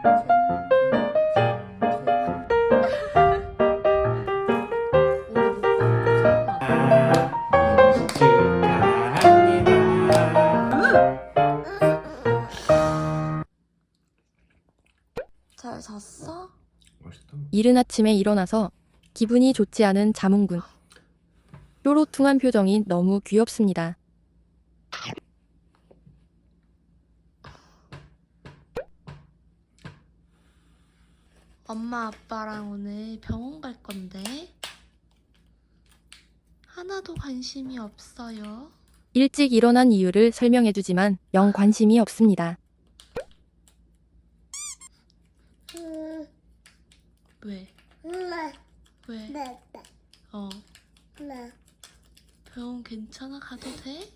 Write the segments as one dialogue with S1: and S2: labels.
S1: 잘 잤어?
S2: 맛있다.
S3: 이른 아침에 일어나서 기분이 좋지 않은 자몽군. 뾰로퉁한 표정이 너무 귀엽습니다.
S1: 엄마 아빠랑 오늘 병원 갈 건데 하나도 관심이 없어요.
S3: 일찍 일어난 이유를 설명해주지만 영 관심이 없습니다.
S1: 왜? 왜? 어. 병원 괜찮아? 가도 돼?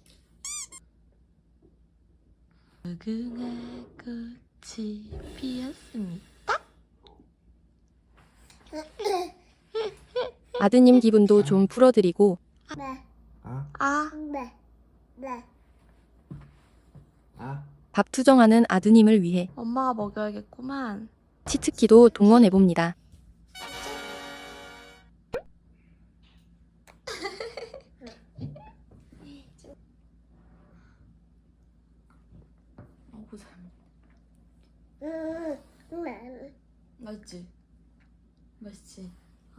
S1: 무궁화 꽃이 피었습니다.
S3: 아드님 기분도 좀 풀어드리고 밥 투정하는 아드님을 위해
S1: 엄마가 먹여야겠구만.
S3: 치트키도 동원해봅니다.
S1: 보자. 맛있지? 맛있지?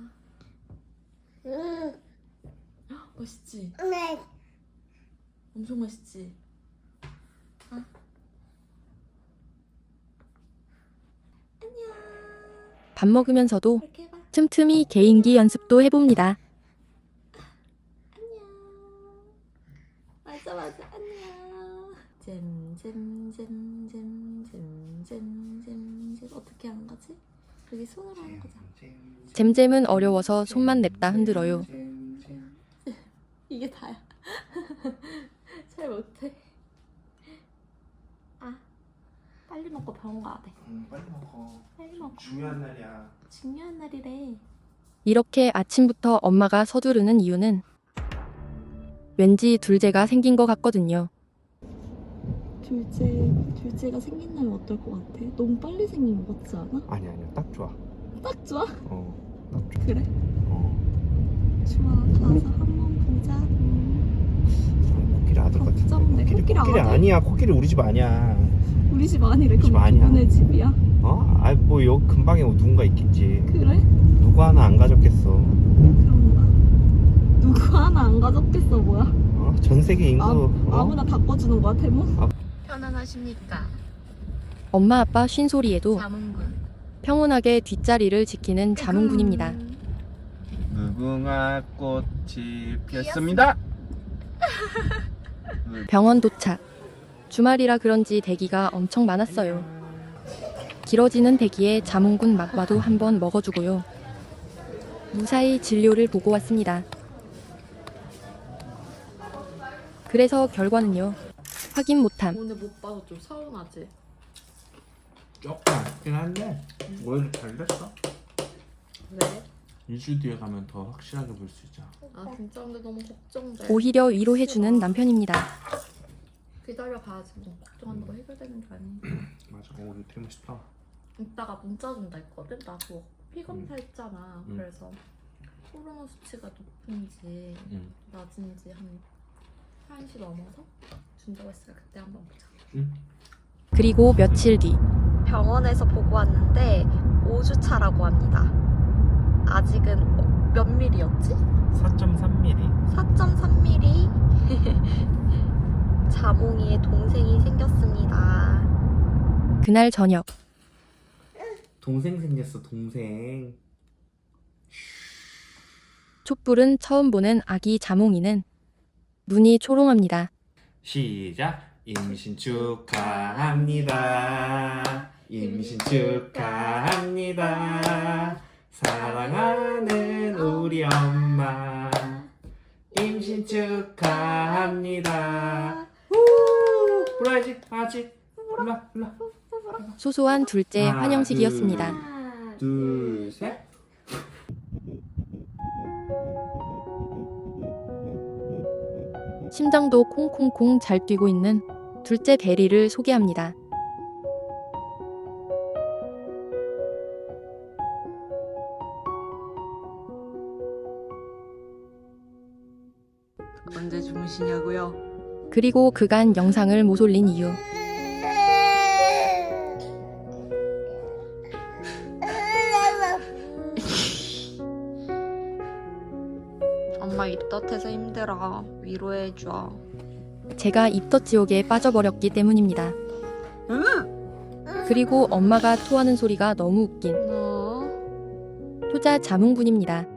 S1: 맛있지? 엄청 맛있지?
S3: 밥 먹으면서도
S1: 이렇게 해봐.
S3: 틈틈이 개인기 연습도 해봅니다.
S1: 안녕. 맞아 안녕. 잼 어떻게 하는 거지? 여기 손으로 하는 거잖아.
S3: 잼잼은 어려워서 손만 냅다 흔들어요.
S1: 이게 다야. 잘 못해. 빨리 먹고 병원 가야 돼.
S2: 빨리 먹어.
S1: 빨리 먹어.
S2: 중요한 날이야.
S1: 중요한 날이래.
S3: 이렇게 아침부터 엄마가 서두르는 이유는 왠지 둘째가 생긴 것 같거든요.
S1: 둘째가 생긴다면 어떨 것 같아? 너무 빨리 생긴 것 같지 않아?
S2: 아니야, 딱 좋아.
S1: 딱 좋아?
S2: 딱 좋아.
S1: 그래?
S2: 어.
S1: 좋아. 가서 한번 보자.
S2: 코끼리 아들 같은데.
S1: 걱정돼. 코끼리 아들?
S2: 아니야. 코끼리 우리 집 아니야.
S1: 우리 집 아니래.
S2: 우리 집
S1: 그럼
S2: 아니야.
S1: 누구네 집이야?
S2: 뭐 여기 근방에 누군가 있겠지.
S1: 그래?
S2: 누구 하나 안 가졌겠어.
S1: 그런가? 누구 하나 안 가졌겠어 뭐야?
S2: 전 세계 인구.
S1: 아무나 바꿔주는 거야 태몽? 편안하십니까?
S3: 엄마 아빠 쉰소리에도
S1: 자문군.
S3: 평온하게 뒷자리를 지키는 자문군입니다.
S2: 무궁화 꽃이 피었습니다.
S3: 병원 도착. 주말이라 그런지 대기가 엄청 많았어요. 길어지는 대기에 자몽군 막바도 한번 먹어주고요. 무사히 진료를 보고 왔습니다. 그래서 결과는요. 확인 못함.
S1: 오늘 못 봐서 좀 서운하지?
S2: 조금 아쉽긴 한데 오히려 잘 됐어.
S1: 왜?
S2: 2주 뒤에 가면 더 확실하게 볼 수 있잖아.
S1: 진짜 근데 너무 걱정돼.
S3: 오히려 위로해주는 남편입니다.
S1: 기다려봐야지 뭐 걱정하는 거 해결되는 게 아니니.
S2: 맞아. 오늘 되게 멋있다.
S1: 이따가 문자 준다 했거든? 나도 피검사 했잖아. 그래서 코로나 수치가 높은지 낮은지 한 1시 넘어서 준다고 했어요. 그때 한번 보자.
S3: 그리고 며칠 뒤
S1: 병원에서 보고 왔는데 5주 차라고 합니다. 아직은 몇 밀리였지?
S2: 4.3mm.
S1: 4.3mm. 자몽이의 동생이 생겼습니다.
S3: 그날 저녁
S2: 동생 생겼어. 동생.
S3: 촛불은 처음 보는 아기 자몽이는 눈이 초롱합니다.
S2: 시작. 임신 축하합니다. 임신 축하합니다. 사랑하는 우리 엄마. 임신 축하합니다. 불러야지. 아직. 불러.
S3: 소소한 둘째
S2: 하나,
S3: 환영식이었습니다.
S1: 하나,
S2: 둘, 셋.
S3: 심장도 콩콩콩 잘 뛰고 있는 둘째 대리를 소개합니다.
S4: 언제 주무시냐고요?
S3: 그리고 그간 영상을 못 올린 이유.
S4: 엄마 입덧해서 힘들어. 위로해줘.
S3: 제가 입덧 지옥에 빠져버렸기 때문입니다. 그리고 엄마가 토하는 소리가 너무 웃긴
S4: 너
S3: 효자 자몽군입니다.